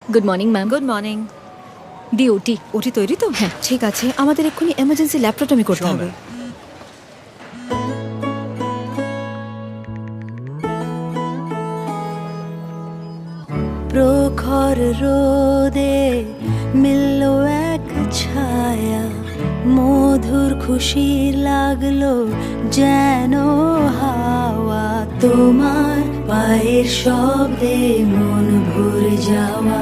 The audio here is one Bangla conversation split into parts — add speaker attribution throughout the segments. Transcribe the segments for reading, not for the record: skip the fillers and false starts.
Speaker 1: Good morning ma'am.
Speaker 2: Good morning.
Speaker 1: Duty.
Speaker 2: OT তৈরি তো?
Speaker 1: হ্যাঁ।
Speaker 2: ঠিক আছে, আমাদের এক্ষুনি এমার্জেন্সি ল্যাপ্রোটমি করতে
Speaker 3: Sure,
Speaker 2: হবে। প্রখর রোদে মিলল এক ছায়া, মধুর খুশি লাগলো যেন হাওয়া, তোমার পায়ের শব্দে মন ভরে যাওয়া,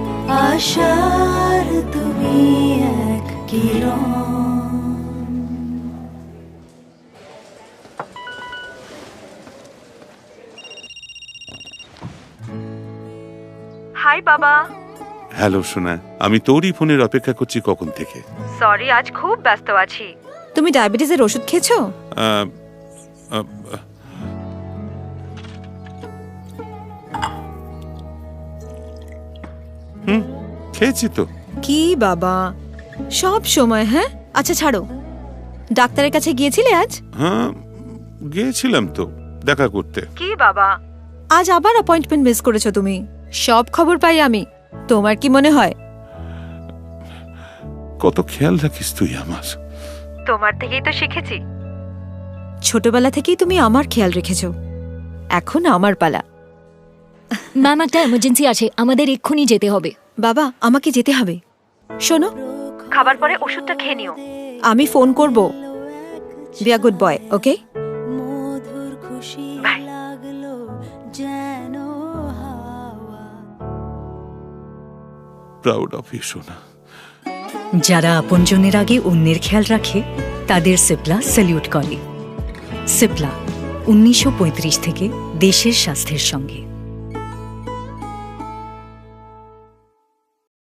Speaker 2: আশার তুমি এক কিরণ।
Speaker 4: হাই বাবা।
Speaker 3: হ্যালো সোনা, আমি তোরই ফোনের অপেক্ষা করছি কখন থেকে।
Speaker 4: সরি, আজ খুব ব্যস্ত আছি।
Speaker 2: তুমি ডায়াবেটিসের ওষুধ খেয়েছো?
Speaker 3: আহ, আহ, খেয়েছি তো।
Speaker 2: কি বাবা, সব সময়? হ্যাঁ আচ্ছা ছাড়ো, ডাক্তারের কাছে গিয়েছিলে আজ?
Speaker 3: হ্যাঁ, গিয়েছিলাম তো দেখা করতে।
Speaker 4: কি বাবা?
Speaker 2: আজ আবার অ্যাপয়েন্টমেন্ট মিস করেছো তুমি। সব খবর পাই আমি। তোমার কি মনে হয়?
Speaker 3: কত খেয়াল রাখিস তুই আমার।
Speaker 4: তোমার থেকেই তো শিখেছি।
Speaker 2: ছোটবেলা থেকেই তুমি আমার খেয়াল রেখেছো, এখন আমার পালা।
Speaker 1: ম্যাম একটা এমার্জেন্সি আছে, আমাদের এক্ষুনি যেতে হবে।
Speaker 2: বাবা আমাকে যেতে হবে। শোনো,
Speaker 4: খাবার পরে ওষুধটা খেয়ে নিও।
Speaker 2: আমি ফোন করব। Be a good boy, okay?
Speaker 4: Bye.
Speaker 3: Proud of you সোনা।
Speaker 5: যারা আপনজনের আগে অন্যের খেয়াল রাখে তাদের সিপলা স্যালিউট করে। সিপলা 1935 থেকে দেশের স্বাস্থ্যের সঙ্গে।